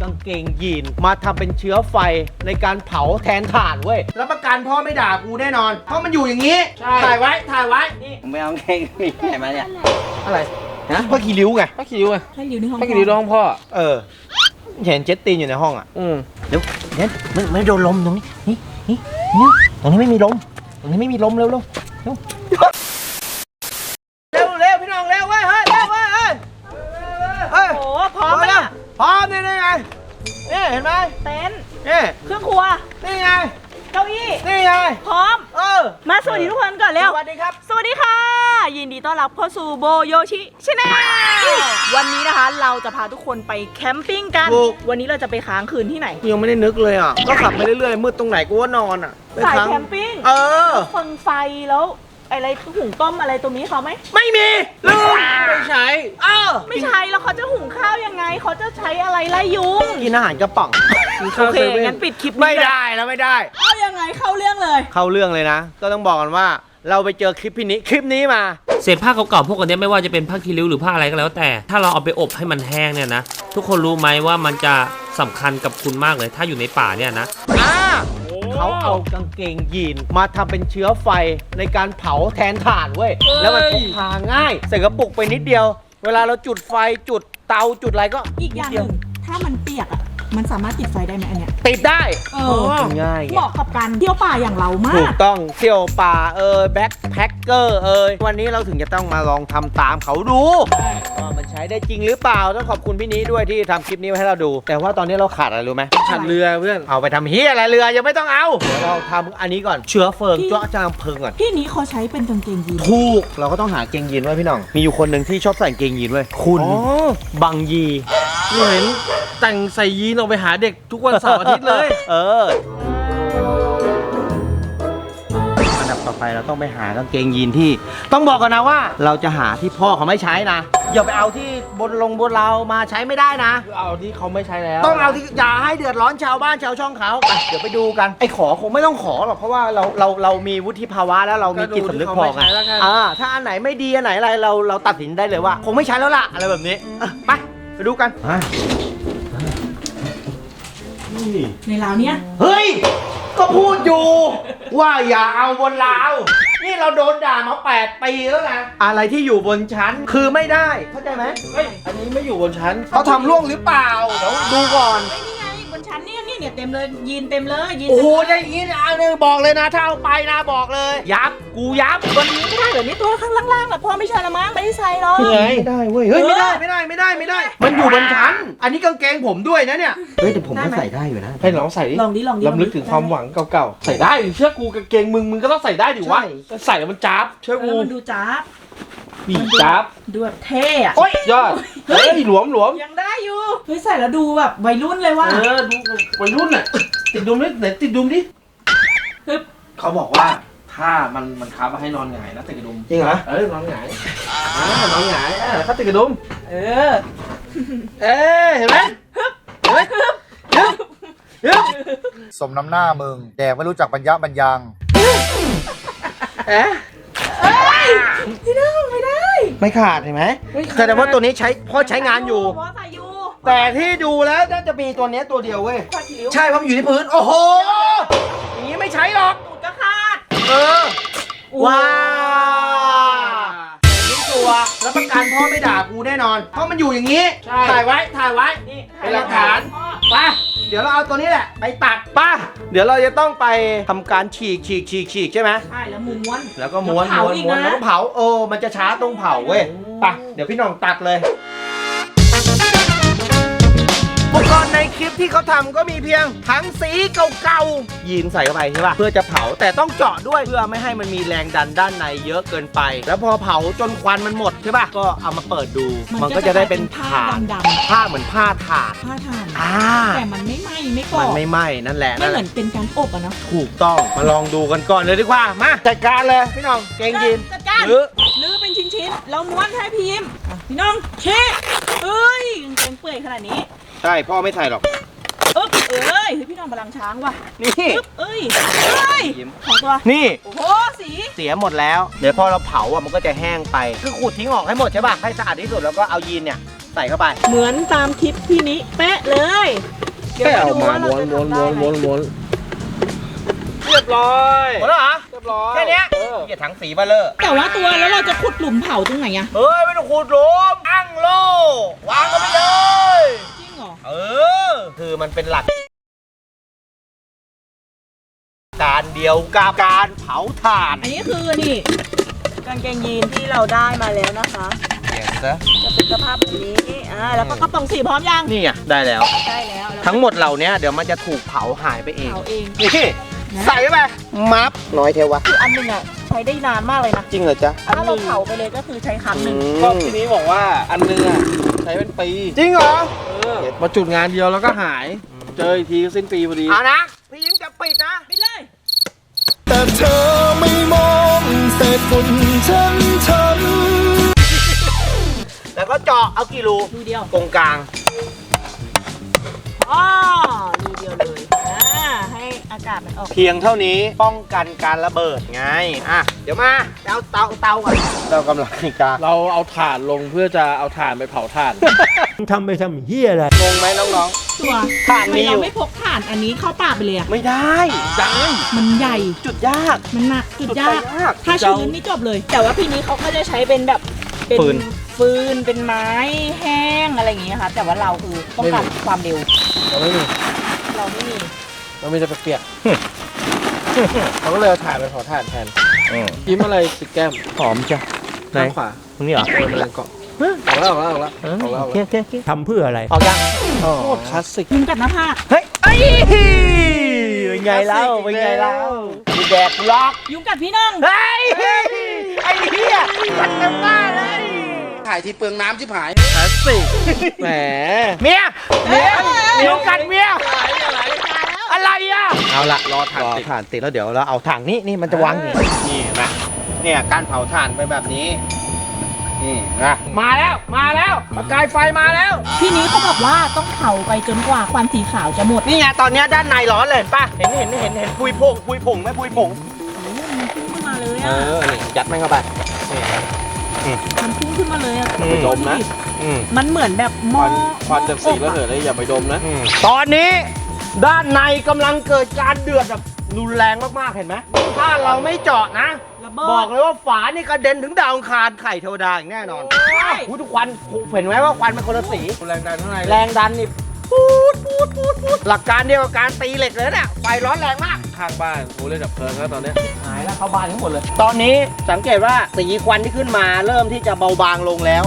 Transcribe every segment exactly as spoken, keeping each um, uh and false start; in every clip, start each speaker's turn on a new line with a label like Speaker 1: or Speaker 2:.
Speaker 1: กางเกงยีนมาทำเป็นเชื้อไฟในการเผาแทนถ่านเว้ยแล้วประกันพ่อไม่ด่ากูแน่นอนเพราะมันอยู่อย่างนี้ถ่ายไว้ถ่ายไว้นี่ผมไม่เอาเกงยีนไหนมาเนี่ยอะไรฮะผ้าขี้ริ้วไง
Speaker 2: ผ้าขี้ริ้วไง
Speaker 3: ผ้าขี้ริ้วในห้อง
Speaker 2: ผ้าขี้ริ้วในห้องพ่อ
Speaker 1: เออเห็นเจ็ตตีนอยู่ในห้องอ่ะ
Speaker 2: อืม
Speaker 1: เดี๋ยวเนี่ยมันไม่โดนลมตรงนี้นี่นี่นี่ตรงนี้ไม่มีลมตรงนี้ไม่มีลมเร็วเร็วเร็วเร็วเร็วพี่น้องเร็วเว้ยเฮ้ยเร็วเว้ยเฮ้ยเฮ้ย
Speaker 3: โอ้พร้อมไหมเนี่ย
Speaker 1: พร้อมนี่นี่ไงนี่เห็นไหม
Speaker 3: เต็นท์
Speaker 1: นี่
Speaker 3: เครื่องครัว
Speaker 1: นี่ไง
Speaker 3: เก้าอี้
Speaker 1: นี่ไง
Speaker 3: พร้อม
Speaker 1: เออ
Speaker 3: มาสวัสดีทุกคนก่อนเร็ว
Speaker 1: สวัสดีครับ
Speaker 3: สวัสดีค่ะยินดีต้อนรับเข้าสู่โบโยชิชาแนลวันนี้นะคะเราจะพาทุกคนไปแคมปิ้งกันวันนี้เราจะไปค้างคืนที่ไหน
Speaker 1: ยังไม่ได้นึกเลยอ่ะก็ขับไปเรื่อยๆมืดตรงไหนกูว่านอนอ่ะ
Speaker 3: สายแคมปิ้ง
Speaker 1: เออ
Speaker 3: ฟังไฟแล้วอะไรหุงต้มอะไรตรงนี้เขาไหม
Speaker 1: ไม่มีลืมไม่ใช่เออ
Speaker 3: ไม่ใช่แล้วเขาจะหุงข้าวยังไงเขาจะใช้อะไรไล่ยุง
Speaker 1: กินอาหารกระป๋อง
Speaker 3: โอเคงั้นปิดคลิป
Speaker 1: ไม่ได้แล้วไม่ได้
Speaker 3: เอายังไงเข้าเรื่องเลย
Speaker 1: เข้าเรื่องเลยนะก็ต้องบอกกันว่าเราไปเจอคลิปพี่นี้คลิปนี้มา
Speaker 2: เศษผ้าเก่าๆพวกนี้ไม่ว่าจะเป็นผ้าคีริ้วหรือผ้าอะไรก็แล้วแต่ถ้าเราเอาไปอบให้มันแห้งเนี่ยนะทุกคนรู้ไหมว่ามันจะสำคัญกับคุณมากเลยถ้าอยู่ในป่าเนี่ยนะ
Speaker 1: เขาเอากางเกงยีนมาทำเป็นเชื้อไฟในการเผาแทนถ่านเว้ยแล้วมันพกพาง่ายใส่กระปุกไปนิดเดียวเวลาเราจุดไฟจุดเตาจุดอะไรก็
Speaker 3: อีกอย่างหนึ่งถ้ามันเปียกอ่ะมันสามารถติดไฟได้ไหมอันเนี้ย
Speaker 1: ติดได้
Speaker 3: เออ
Speaker 1: ง่าย
Speaker 3: เหมาะกับการเที่ยวป่าอย่างเรามาก
Speaker 1: ถูกต้องเที่ยวป่าเออแบ็คแพ็คเกอร์เออวันนี้เราถึงจะต้องมาลองทำตามเขาดูว่ามันใช้ได้จริงหรือเปล่าต้องขอบคุณพี่นี้ด้วยที่ทำคลิปนี้ให้เราดูแต่ว่าตอนนี้เราขาดอะไรรู้ไหม
Speaker 2: ขาดเรือเพื่อน
Speaker 1: เอาไปทำเฮียอะไรเรือยังไม่ต้องเอาเดี๋ยวเราทำอันนี้ก่อนเชื้อเฟิงเจาะจางเพลิงก่อน
Speaker 3: พี่นี้เขาใช้เป็นกางเกงยีน
Speaker 1: ถูกเราก็ต้องหาเกงยีนไว้พี่น้องมีอยู่คนหนึ่งที่ชอบใส่เกงยีนไว้คุณบังยี
Speaker 2: เห็นแต่งใส่ยีนออกไปหาเด็กทุกวันเสาร์อาทิตย์เลย
Speaker 1: เอออันดับต่อไปเราต้องไปหากางเกงยีนที่ต้องบอกกันนะว่าเราจะหาที่พ่อเขาไม่ใช้นะอย่าไปเอาที่บนลงบนเรามาใช้ไม่ได้นะ
Speaker 2: เอาที่เขาไม่ใช้แล้ว
Speaker 1: ต้องเอาที่อย่าให้เดือดร้อนชาวบ้านชาวช่องเขาไปเดี๋ยวไปดูกันไอ้ขอคงไม่ต้องขอหรอกเพราะว่าเราเราเรามีวุฒิภาวะแล้วเรามีจิตสำนึกพอไงอ่าถ้าอันไหนไม่ดีอันไหนอะไรเราเราตัดสินได้เลยว่าคงไม่ใช้แล้วล่ะอะไรแบบนี้ไปไปดูกัน
Speaker 3: ในราวเนี้ย
Speaker 1: เฮ้ยก็พูดอยู่ว่าอย่าเอาบนราวนี่เราโดนด่ามาแปดปีแล้วนะอะไรที่อยู่บนชั้นคือไม่ได้เข้าใจไหม
Speaker 2: เฮ้ยอันนี้ไม่อยู่บนชั้น
Speaker 1: เขาทำร่วงหรือเปล่าเดี๋ยวดูก่อน
Speaker 3: นี่ไงบนชั้นเนี่ยเนี่ยเนี่ยเต็มเลยยีนเต็มเลยยีน
Speaker 1: โอ้โหได้ยีนอันนึงบอกเลยนะถ้าเอาไปนะบอกเลยยับกูยับ
Speaker 3: วันนี้ไม่ได้เหรอนี่ตัวข้างล่างๆแบบพ่อไม่ใช่ละมั้งไม่ได้ใส่หรอก
Speaker 1: ไม่ได้เว้ยเฮ้ยไม่ได้ไม่ได้ไม่ได้ไม่ได้มันอยู่บนชั้นอันนี้กางเกงผมด้วยนะเนี่ยเฮ้ยแต่ผมก็ใส่ได้อยู่นะ
Speaker 2: ให้ลองใส่ดิ
Speaker 3: ลองดิลองดิ
Speaker 2: ลำลึกถึงความหวังเก่าๆใส่ได้เชื่อกูกางเกงมึงมึงก็ต้องใส่ได้ดิวะใส่แล้วมันจ๊าบเชื่อกู
Speaker 3: มันดูจ๊าบ
Speaker 2: บีจ๊าบ
Speaker 3: ดูแบบเท่อะ
Speaker 2: โอ้ยยอดเฮ้ยหลวมหลวม
Speaker 3: ยังได้อยู่เฮ้ยใส่แล้วดูแบบวัยรุ่นเลยว่ะ
Speaker 2: เออดูวัยรุ่นอ่ะติดดุมดิไหนติดดุมดิเขาบอกว่าถ้ามันมันค้ามาให้นอนหงายนะติดกระดุม
Speaker 1: จริงเหรอ
Speaker 2: เออนอนหงายอ่านอนหงายเออเขาติดกระดุม
Speaker 3: เออ
Speaker 2: เอ๊เห็นไหมเห็นไหม
Speaker 4: สมน้ำหน้ามึงแดกไม่รู้จักบรรยะบรรยัง
Speaker 1: เอ๊ะ
Speaker 3: ไม่ได้ไม่ได้
Speaker 1: ไม่ขาดเห็นไหมแสดงว่าตัวนี้ใช้พ่อใช้งานอยู่แต่ที่ดูแล้วน่าจะมีตัวนี้ตัวเดียวเว้ยใช่เพราะมันอยู่ที่พื้นโอ้โหอย่างนี้ไม่ใช้หรอก
Speaker 3: ตูดก็ขาด
Speaker 1: เออว้าวนี่ตัวแล้วประกันพ่อไม่ด่ากูแน่นอนเพราะมันอยู่อย่างนี้ถ่ายไว้ถ่ายไว้เป็นหลักฐานไปเดี๋ยวเราเอาตัวนี้แหละไปตัดป่ะเดี๋ยวเราจะต้องไปทำการฉีกฉีกฉีกฉีกใช่ไหม
Speaker 3: ใช่แล้วม้วน
Speaker 1: แล้วก็ม้วนม้วนม้วนแล้วก็เผาเออมันจะช้าตรงเผาเว้ยไปเดี๋ยวพี่น้องตัดเลยอุปกรณ์ในคลิปที่เขาทำก็มีเพียงถังสีเก่าๆยีนใส่เข้าไปใช่ป่ะเพื่อจะเผาแต่ต้องเจาะด้วยเพื่อไม่ให้มันมีแรงดันด้านในเยอะเกินไปแล้วพอเผาจนควันมันหมดใช่ป่ะก็เอามาเปิดดูมันก็จะได้เป็น
Speaker 3: ผ้าดำ
Speaker 1: ๆผ้าเหมือนผ้าถ่าน
Speaker 3: ผ้าถ่าน
Speaker 1: อ่า
Speaker 3: แต่มันไม่ไหม้ไม่ก่อ
Speaker 1: มันไม่ไหม้นั่นแหละ
Speaker 3: ไม่เหมือนเป็นการอบอะเนาะ
Speaker 1: ถูกต้องมาลองดูกันก่อนเลยดีกว่ามาจัดการเลยพี่น้องเกงยีน
Speaker 3: จัดการลื้อลื้อเป็นชิ้นๆแล้วม้วนให้พิมพ์พี่น้องเช็คเอ้ยเกงเปื่อยขนาดนี้
Speaker 1: ใช่พ่อไม่ใส่หรอก
Speaker 3: อึ๊บเอ้ยพี่น้องพลังช้างว่ะ
Speaker 1: นี่
Speaker 3: อึ๊บเอ้ยเอ้ยของตัว
Speaker 1: นี่
Speaker 3: โอ้โหสี
Speaker 1: เสียหมดแล้วเดี๋ยวพอเราเผาอ่ะมันก็จะแห้งไปคือขูดทิ้งออกให้หมดใช่ป่ะให้สะอาดที่สุดแล้วก็เอายีนเนี่ยใส่เข้าไป
Speaker 3: เหมือนตามคลิปพี่นี้เป๊ะเลยเดี๋ยว
Speaker 2: แค่
Speaker 3: มา
Speaker 2: เอา
Speaker 3: ดู
Speaker 2: มา
Speaker 3: ว่าเรา
Speaker 2: ม้วน
Speaker 3: จะ
Speaker 2: ม้วน
Speaker 3: ทำได้
Speaker 2: ม้วน
Speaker 3: ไหม
Speaker 2: ม้วนม้วน
Speaker 1: เรียบร้อยหมดแล้วเหรอ
Speaker 2: เรียบร้อย
Speaker 1: แค่เนี้ย
Speaker 2: เออ
Speaker 1: เกียถังสีมาเลย
Speaker 3: แต่ว่าตัวแล้วเราจะขุดหลุมเผาตรงไหนอะ
Speaker 1: เฮ้ย ไม่ต้องขูดหลุมอั้งโลวางกันไปเลย
Speaker 3: จริงเหรอ
Speaker 1: เออ คือมันเป็นหลัก การเดียวกับการเผาถ่าน
Speaker 3: อันนี้คือนี่กางเกงยีนที่เราได้มาแล้วนะคะ
Speaker 1: เปลี่ยนซะ
Speaker 3: จะเป็นสภาพแบบนี้อ่าแล้วก็กระป๋องสีพร้อมยัง
Speaker 1: นี่ไงได้แล้ว
Speaker 3: ได้แล้วแล้ว
Speaker 1: ทั้งหมดเหล่านี้เดี๋ยวมันจะถูกเผาหายไปเอง
Speaker 3: เผาเอง
Speaker 1: นี่ใส่ไปมัฟน้อยเทวะ
Speaker 3: คืออันหนึงอะใช้ได้นานมากเลยนะ
Speaker 1: จริงเหรอจ๊ะ
Speaker 3: ถ้าเราเผาไปเลยก็คือใช้ครั้งหนึ่ง
Speaker 2: ก็ทีนี้บอกว่าอันนึงอ่ะใช้เป็นปี
Speaker 1: จริงเหรอ
Speaker 2: เออมาจุดงานเดียวแล้วก็หาย เจออีกทีก็สิ้นปีพอดี
Speaker 1: เอานะ พี่ยิ้มจะปิดนะ
Speaker 3: ไปเลย
Speaker 5: แต่เธอไม่มองเศษฝุ่นฉันฉัน
Speaker 1: แล้วก็เจาะเอากี่รู
Speaker 3: ดูเดียว
Speaker 1: ตรงกลาง
Speaker 3: อ๋อดูเดียวเลยอ่าให้อากาศมันออก
Speaker 1: เพียงเท่านี้ป้องกันการระเบิดไง อ่ะ เดี๋ยวมาเอาเตาเตาก่อนเรากำลังมีการ
Speaker 2: เราเอาถ่านลงเพื่อจะเอาถ่านไปเผาถ่าน
Speaker 6: ทำไปทำเฮียอะไร
Speaker 1: งงไหมน้อง
Speaker 3: ตัว
Speaker 1: ถ่าน
Speaker 3: ทำไม
Speaker 1: มีอยู่
Speaker 3: เราไม่พกถ่านอันนี้เข้าป่าไปเลยอะ
Speaker 1: ๆ ไม่ได้ได้
Speaker 3: มันใหญ่
Speaker 1: จุดยาก
Speaker 3: มันหนักจุดยาก
Speaker 1: จุดยาก
Speaker 3: ถ้าชื้นนี่จบเลย แต่ว่าพี่นี้เขาก็จะใช้เป็นแบบเป็น
Speaker 1: ฟืน
Speaker 3: ฟืนเป็นไม้แห้งอะไรอย่างเงี้ยค่ะ แต่ว่าเราคือต้องการความเร็ว
Speaker 2: เราไม่มี
Speaker 3: เราไม่มี
Speaker 2: เราไม่ได้ไปเปียกเราก็เลยเอาถ่านไปเผาถ่านแทนยิ้มอะไรติดแก้ม
Speaker 1: หอมจ้ะไหน
Speaker 2: ข้างขวา
Speaker 1: ตรงนี้เหรอ
Speaker 2: เออมันเกาะออกแล้วออกแล้วออกแล้วออกแล้วออกแล้ว
Speaker 6: ทำเพื่ออะไร
Speaker 1: ออกยัง
Speaker 2: โคตรคลาสสิก
Speaker 3: ยุงกัดหน้าผาก
Speaker 1: เฮ้ยเอ้ยเป็นไงเล่าเป็นไงเล่ามีแดกล็อก
Speaker 3: ยุงกัดพี่น้อง
Speaker 1: เฮ้ยไอ้เหี้ยมันเต็มบ้านเลย
Speaker 2: ถ่ายที่เปลืองน้ำชิบหาย
Speaker 1: คลาสสิกแหมเมียเมียเมียกันเมียอะไรอ่ะเอาละรอถ่านติดถ่านติดแล้วเดี๋ยวเราเอาถังนี้นี่มันจะวางนี่นี่เห็นไหมเนี่ยการเผาถ่านไปแบบนี้นี่นะมาแล้วมาแล้วประกายไฟมาแล้ว
Speaker 3: พี่นี้เขาบอกว่าต้องเผาไปจนกว่าควันสีขาวจะหมด
Speaker 1: นี่ไงตอนเนี้ยด้านในร้อนเลยเห็นป่ะเห็นเห็นเห็นเห็นปุยผงปุยผงไหมปุยผง
Speaker 3: โอ้โหมันพุ่งขึ้นมาเลย
Speaker 1: เอ
Speaker 3: อ่ะ
Speaker 1: อนี่ยัดมันเข้าไปนี่
Speaker 3: มันพุ่งขึ้นมาเลยอ่ะ
Speaker 1: อืม
Speaker 2: ดมนะ
Speaker 1: อืม
Speaker 3: มันเหมือนแบบห
Speaker 2: ค
Speaker 3: ม้อ
Speaker 2: วันควันจากสี
Speaker 3: หม้
Speaker 2: ระ
Speaker 3: อ
Speaker 2: เห
Speaker 3: อบ
Speaker 2: ยเลยอย่าไปดมนะ
Speaker 1: ตอนนี้ด้านในกำลังเกิดการเดือดแบบรุนแรงมากๆเห็นไหมถ้าเราไม่เจาะนะ
Speaker 3: ระเบิด
Speaker 1: บอกเลยว่าฝานี่กระเด็นถึงดาวอังคารไข่เทวดาอย่างแน่นอน
Speaker 3: โอ้ย
Speaker 1: อุ๊ยทุกควันเห็นไหมว่าควันเป็นคนละสี
Speaker 2: แรงดันข้างใน
Speaker 1: แรงดันนี่ปูดปูดปูดปูดหลักการเดียวกับการตีเหล็กเลยเนี่ยไฟร้อนแรงมาก
Speaker 2: ข้างบ้านกูเล่นดับเพลิงแล้วตอนเนี้ย
Speaker 1: หายแล้วเข้าบ้านทั้งหมดเลย ตอนนี้สังเกตว่าสีควันที่ขึ้นมาเริ่มที่จะเบาบางลงแล้ว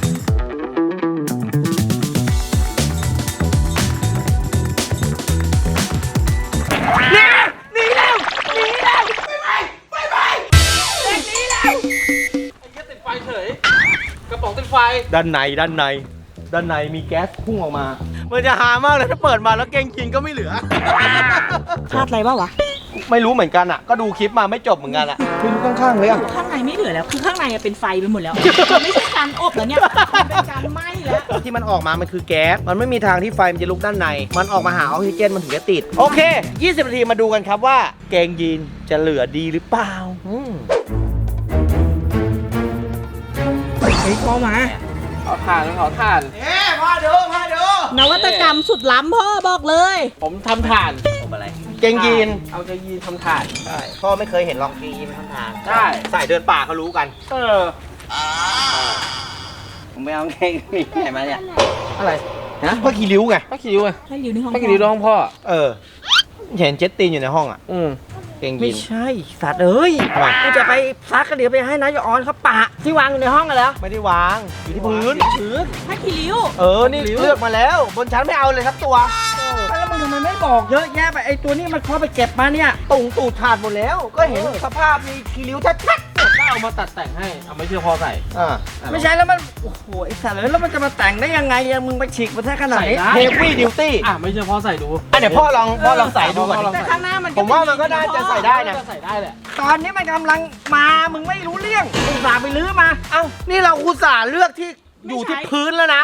Speaker 1: หนีหนีแล้วหนีแล้วไปไปไปไปเด็กหนีแล้ว
Speaker 2: ไอ้เหี้ยติดไฟเฉย กระป๋องติดไฟ
Speaker 1: ด้านในด้านใน ด้านในมีแก๊สพุ่งออกมา มันจะหามากเลยถ้าเปิดมาแล้วเกงกินก็ไม่เหลือ
Speaker 3: ชาติอะไรบ้าวะ
Speaker 1: ไม่รู้เหมือนกันอ่ะ ก็ดูคลิปมาไม่จบเหมือนกันอ่ะไม่รู้ข้างๆเลยอ่ะ
Speaker 3: ข้างในไม่เหลือแล้ว คือข้างในอะเป็นไฟไปหมดแล้วมันไม่ใช่การอบแล้วเนี่ยมันเป็นการไหม้แล้ว
Speaker 1: ที่มันออกมามันคือแก๊ส มันไม่มีทางที่ไฟมันจะลุกด้านใน มันออกมาหาออกซิเจนมันถึงจะติด โอเค ยี่สิบนาทีมาดูกันครับว่าเกงยีนจะเหลือดีหรือเปล่าอืม
Speaker 3: เฮ้ยพ่อมา
Speaker 2: เผาถ่านเผาถ่าน
Speaker 1: เอ๊พาดูพาดู
Speaker 3: นวัตกรรมสุดล้ำพ่อบอกเลย
Speaker 2: ผมทำถ่าน
Speaker 1: ผมอะไร เกงยีน
Speaker 2: เอาจะยีนทำถ่าน
Speaker 1: ใช่พ่อไม่เคยเห็นลองเกงยีนทำทาง
Speaker 2: ใช่
Speaker 1: ใส่เดินป่าเขารู้กัน
Speaker 2: เออ
Speaker 1: ผมไม่เอาเกงยีนไหนมาเนี่ย
Speaker 2: อะไร
Speaker 1: นะผ้าขี้ริ้วไง
Speaker 2: ป้าคิวไง
Speaker 3: ให้ริวในห้อง
Speaker 2: ป้าคิวร้องพ่อ
Speaker 1: เออ เห็นเจ็ตตีนอยู่ในห้องอ่ะ
Speaker 2: อืม
Speaker 1: เกงยี
Speaker 6: ไม่
Speaker 1: น
Speaker 6: ใช่ สัตว์เอ้ย
Speaker 1: ทำไม
Speaker 6: กูจะไปซักก็เดี๋ยวไปให้นายออนเขาปะที่วางอยู่ในห้องกันแล้ว
Speaker 1: ไม่ได้วาง อยู่ที่พื้น
Speaker 6: พื้น
Speaker 3: ผ้าคีริ้ว
Speaker 1: เออ นี่เลือกมาแล้ว บนชั้นไม่เอาเลยสักตัว
Speaker 6: แล้วมึงทำไมไม่บอกเยอะแยะไปไอตัวนี้มันเขาไปเก็บมาเนี่ย
Speaker 1: ตุ่งตูดขาดหมดแล้ว ก็เห็นสภาพมีขี้ริ้วชัด
Speaker 2: ก็เอามาตัดแต่งให้ เอาไม่เชื่อพ่อใส่
Speaker 1: ๆอ่า
Speaker 6: ไม่ใช่แล้วมัน โอ้โห ไอสัตว์เลยแล้วมันจะมาแต่งได้ยังไงอะมึงไปฉีกมาแท้ขนาดนี้
Speaker 2: ใส่ได้
Speaker 1: เฮฟวี่ดิวตี้
Speaker 2: อ่ะไม่เชื่อพ่อใส่ดู
Speaker 1: อ่ะเดี๋ยวพ่อลองพ่อลองใส่ดูก่อน
Speaker 2: พ่อลอง
Speaker 3: แต่ข้างหน้ามัน
Speaker 1: ผมว่ามันก็น่าจะใส่ได้นะ
Speaker 2: ใส่ได้แหละ
Speaker 6: ตอนนี้มันกำลังมา มึงไม่รู้เรื่องอุตส่าห์ไปลื้อมา
Speaker 1: เอ้า นี่เราอุตส่าห์เลือกที่อยู่ที่พื้นแล้วนะ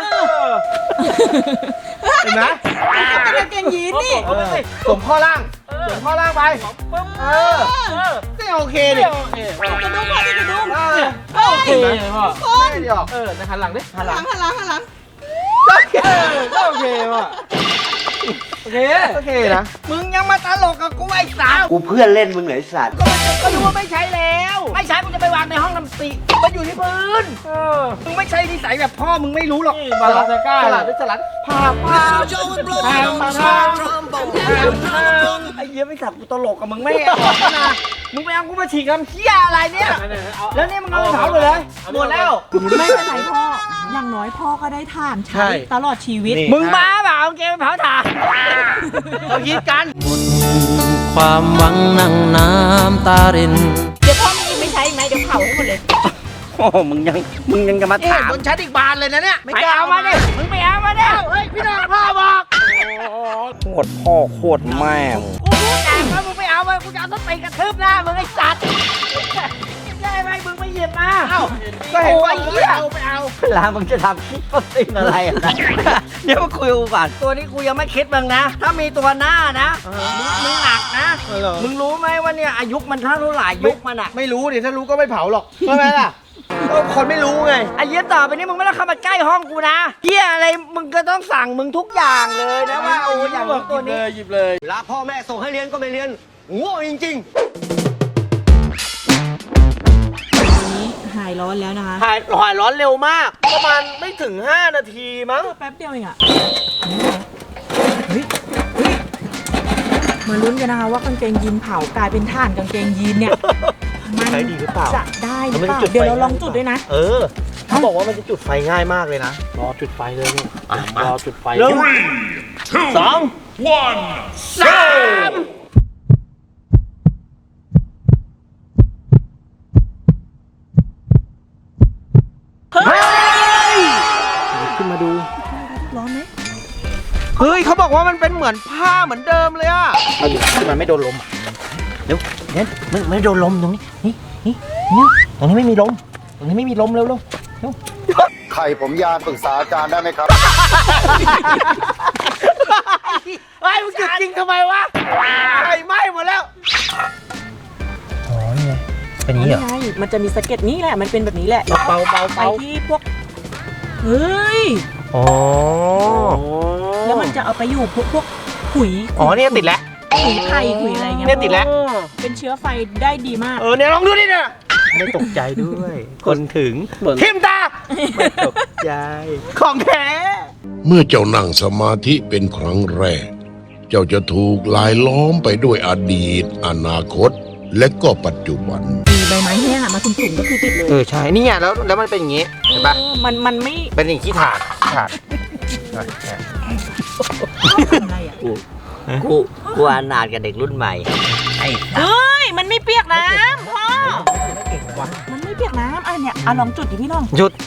Speaker 1: เห็นไหม
Speaker 3: เป็นกางเกงยีนนี่
Speaker 1: เออสวมข้อล่างสวมข้อล่างไป เออนี่โอเคดิ
Speaker 2: โอเค
Speaker 3: กระดุมพ่อที่กระดุม
Speaker 1: เออ
Speaker 2: ก็โอเคเลยพ่อ
Speaker 1: ไม่ได้หรอก
Speaker 2: เออในหันหลังดิ
Speaker 3: หันหลังหันหลังหันหลัง
Speaker 2: เออก็โอเคว่ะ
Speaker 6: โอเค
Speaker 1: โอเคนะ
Speaker 6: มึงยังมาตลกกับกูไอ้สาว
Speaker 1: กูเพื่อนเล่นมึงเหรอไอ้สัตว์
Speaker 6: ก็ไม่ก็รู้ว่าไม่ใช้แล้ว ไม่ใช้กูจะไปวางในห้องน้ำสีมันอยู่ที่พื้นมึงไม่ใช่นิสัยแบบพ่อมึงไม่รู้หรอก
Speaker 1: บาลาซาก้าสลัดด้วยสลัดผ่าผ่าผ่าผ่า
Speaker 6: ไอ้เหี้ยไม่สับกูตลกกับมึงไม่ออกนะมึงไปเอากูมาฉีกทำเหี้ยอะไรเนี่ยแล้วนี่มึงเอาไปเผาเลยเลยหมดแล้ว
Speaker 3: ไม่เป็นไรพ่อ อย่างน้อยพ่อก็ได้ทานใช้ตลอดชีวิต
Speaker 6: มึงบ้าเปล่าเอาเกมไปเผาถ่าน
Speaker 1: เราคิดกัน
Speaker 7: ความหวังนั่งน้ำตาริน
Speaker 3: เดี๋ยวพ่อมีไม่ใช้ไหมเดี๋ยวเผาให้หมดเลย
Speaker 6: โอ้มึงยังมึงยังจะมา
Speaker 1: เอ๊ะ
Speaker 6: ถาม
Speaker 1: บนชั้นอีกบานเลยนะเนี่ย
Speaker 6: ไปเอามาดิมึงไปเอามาดิ
Speaker 1: เฮ้ยพี่น้องพ่อบอก
Speaker 6: โคตรพ่อโคตรแม่กูพูดแต่ว่ามึงไปเอามากูจะเอาต้นตีนกระทืบหน้ามึงไอ้สัตว์ได้ไหมมึงไม่หยิบมา
Speaker 1: เอ้าก็เห็นว่าไปเอาไปเอา
Speaker 6: เวลามึงจะทำคลิปต้นตีนอะไรอะนะเดี๋ยวมาคุยกูก่อนตัวนี้กูยังไม่คิดมึงนะ ถ้ามีตัวหน้านะมึงมึงหนักนะ
Speaker 1: เออเหรอ
Speaker 6: มึงรู้ไหมว่าเนี่ยอายุมันเท่าไหร่ยุคมันอะ
Speaker 1: ไม่รู้ดิถ้ารู้ก็ไม่เผาหรอกใช่ไหมล่ะก็คนไม่รู้ไง
Speaker 6: ไอ้เหี้ยต่อไปนี้มึงไม่ต้องเข้ามาใกล้ห้องกูนะเหี้ยอะไรมึงก็ต้องสั่งมึงทุกอย่างเลยนะว่าโอ้อย่างนี้ตัวนี้
Speaker 1: หยิบเลย
Speaker 6: ลาพ่อแม่ส่งให้เรียนก็ไม่เรียนโง่จริง
Speaker 3: นี้หายร้อนแล้วนะคะ
Speaker 1: หายหายร้อนเร็วมาก ประมาณไม่ถึงห้านาทีมั้ง
Speaker 3: แป๊บเดียวเองอะเฮ้ยเฮ้ยมาลุ้นกันนะคะว่ากางเกงยีนเผากลายเป็นถ่านกางเกงยีนเนี่ย มัน
Speaker 1: ใช้ดีหรือเปล่า
Speaker 3: จะได้หรือ
Speaker 1: มัน
Speaker 3: เป
Speaker 1: ไม่
Speaker 3: ล่า
Speaker 1: ได้จุดไฟ
Speaker 3: เดี๋ยวเราลองจุดด้วยนะ
Speaker 1: เออเขาบอกว่ามันจะจุดไฟง่ายมากเลยนะ
Speaker 2: รอจุดไฟเลยเนี่ย
Speaker 1: อ่ะมาร
Speaker 2: อจุดไฟ
Speaker 1: หนึ่งสองสามเฮ้ยขึ้นมาดู
Speaker 3: ร้อนไหม
Speaker 1: เฮ้ยเขาบอกว่ามันเป็นเหมือนผ้าเหมือนเดิมเลยอะเอาดิที่มันไม่โดนลมอะเร็วเน็ตมันไม่โดนลมตรงนี้นี่นี่นี่ตรงนี้ไม่มีลมตรงนี้ไม่มีลมเร็วเร็วเร็ว
Speaker 4: ไข่ผมยานปรึกษาอาจารย์ได้ไหมครับ
Speaker 1: ไอ้มึงจุดจริงทำไมวะไฟไหม้หมดแล้วอ๋อนี่ไงเป็นอย่างนี้เหรอ
Speaker 3: ไงมันจะมีสะเก็ดนี่แหละ มันเป็นแบบนี้แหละ
Speaker 1: เบาเบา
Speaker 3: ไป
Speaker 1: เบา
Speaker 3: ที่พวก เฮ้ย
Speaker 1: อ๋อ
Speaker 3: แล้วมันจะเอาไปอยู่พวกพวกขุย
Speaker 1: อ๋อเนี่ยติดแล้ว
Speaker 3: ขุยไผ่ขุยอะไรเงี้ย
Speaker 1: เนี่ยติดแล้ว
Speaker 3: เป็นเชื้อไฟได้ดีมาก
Speaker 1: เออเนี่ยลองดูดิเนี่ยไม่ตกใจด้วย คนถึง
Speaker 2: เหมือน
Speaker 1: ทิมตาไม่ตกใจของแท้
Speaker 8: เมื่อเจ้านั่งสมาธิเป็นครั้งแรก เจ้าจะถูกลายล้อมไปด้วยอดีต อนาคต และก็ปัจจุบัน
Speaker 3: มีใบไม้แห้งอะมาถุ่มๆก็คือติดเลย
Speaker 1: เออใช่นี่ไงแล้วแล้วมันเป็นอย่างงี้เห็นปะ
Speaker 3: เออมันมันไม่
Speaker 1: เป็นอย่างขี้ถ่านถ่าน
Speaker 3: ทำอะไรอะ
Speaker 6: กูกูอนาถกับเด็กรุ่นใหม่ไอ้
Speaker 3: เฮ้ย มันไม่เปียกน้ำพ่อ มันไม่เปียกน้ำอ่ะเนี่ยอ่ะลองจุดดิพี่น้อง
Speaker 1: หยุด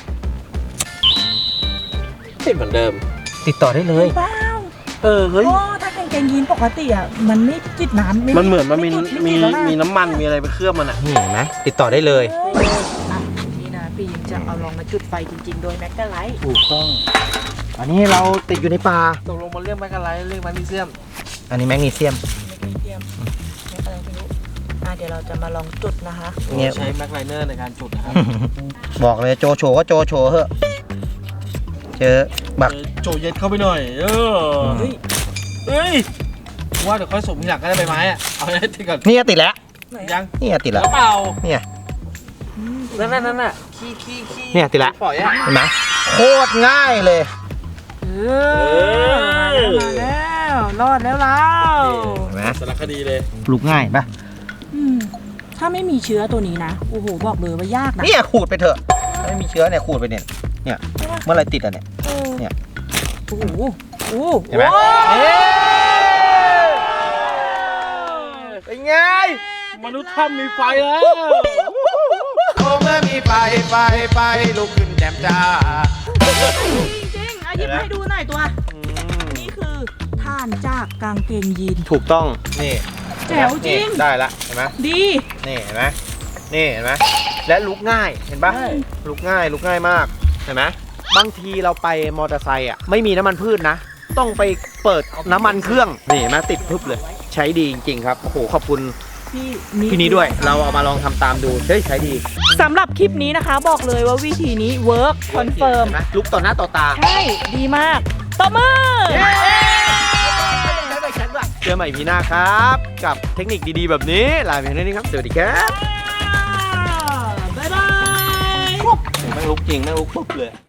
Speaker 2: ติดเหมือนเดิม
Speaker 1: ติดต่อได้เลย
Speaker 3: เปล่า
Speaker 1: เออเฮ้ย
Speaker 3: โอ้ถ้ากางเกงยีนปกติอ่ะ มันไม่ติดน้ำ
Speaker 2: มันเหมือนมันมี
Speaker 3: จุดไ
Speaker 2: มี
Speaker 3: ติดแล้วะ
Speaker 2: มีน้ำมันมีอะไรไปเคลือบมันอ่ะ
Speaker 1: นี่เห็นไหมติดต่อได้เลย
Speaker 3: เฮ้ยอ่ะนี่นะปีมจะเอาลองมาจุดไฟจริงๆ โดยแมกกาไลท์
Speaker 1: ถูกต้อง อันนี้เราติดอยู่ในป่า
Speaker 2: ตกลงมันเรียกแมกกาไลท์เรียกแมกนีเซียม
Speaker 1: อันนี้แมกนีเซียม
Speaker 3: ไม่เตรียมไม่อะไรไม่รู้อ่ะเดี๋ยวเราจะมาลองจุดนะคะ
Speaker 1: เนี่ย
Speaker 2: ใช้แม็กไลเนอร์ในการจุดนะครับ
Speaker 1: บอกเลยโจโฉก็โจโฉเหอะเจอบัก
Speaker 2: โจเย็ดเข้าไปหน่อย เออ
Speaker 3: เฮ้ย
Speaker 2: เฮ้ยว่าเดี๋ยวค่อยสมทีหลังก็ได้ใบไม้อะเอาให้ติดก่อน
Speaker 1: นี่ติดแล้ว
Speaker 2: ยัง
Speaker 1: นี่ติด
Speaker 2: แล้
Speaker 1: แล้ว
Speaker 2: วเปล่า
Speaker 1: เนี่ย
Speaker 2: นั่นนั่นนั่นน่ะขี้ขี้ขี้
Speaker 1: เนี่ยติดแล้ว
Speaker 2: ปล่อยอะ
Speaker 1: เห็นไหมโคตรง่ายเลย
Speaker 3: เออมาแล้วรอดแล้วเรา
Speaker 1: เห็นไหม
Speaker 2: สารคดีเลย
Speaker 1: ปลูกง่ายปะ
Speaker 3: อืมถ้าไม่มีเชื้อตัวนี้นะโอ้โหบอกเลยว่ายากนะ
Speaker 1: เนี่ยขูดไปเถอะไม่มีเชื้อเนี่ยขูดไปเนี่ยเนี่ยเมื่อไรติดอ่ะเนี่ย
Speaker 3: เออ
Speaker 1: เนี่ย
Speaker 3: โอ้โหโอ้โห
Speaker 1: เห็นไหม
Speaker 3: โอ้
Speaker 1: เอ๊ะเป็นไง
Speaker 2: มนุษย์ถ้ำมีไฟแล้ว
Speaker 5: โอ้เมื่อมีไฟไฟไฟลุกขึ้นแจ่มจ้า
Speaker 3: จริงๆอ่ะหยิบให้ดูหน่อยตัว นี่คือท่านจากกางเกงยีน
Speaker 1: ถูกต้องนี่
Speaker 3: แจ๋วจริง
Speaker 1: นี่ได้ละเห็นไหม
Speaker 3: ดี
Speaker 1: นี่เห็นไหมนี่เห็นไหมและลุกง่ายเห็นปะลุกง่ายลุกง่ายมากเห็นไหมบางทีเราไปมอเตอร์ไซค์อ่ะไม่มีน้ำมันพืชนะ ต้องไปเปิดน้ำมันเครื่องนี่เห็นไหมติดพึบเลย ใช้ดีจริงๆครับโอ้โหขอบคุณ
Speaker 3: พี่
Speaker 1: พี่นี้ด้วยเราเอามาลองทำตามดูเฮ้ยใช้ดี
Speaker 3: สำหรับคลิปนี้นะคะบอกเลยว่าวิธีนี้เวิร์กคอนเฟิร์ม
Speaker 1: เห็นไหมลุกต่อหน้าต่อตา
Speaker 3: ใช่ ดีมากตบมือ
Speaker 1: เจอใหม่พีหน้าครับ กับเทคนิคดีๆแบบนี้ลาไปเพียงเท่านี้ครับ สวัสดีครับบ๊ายบายแม่งลุกจริงแม่งลุกปุ๊บเลย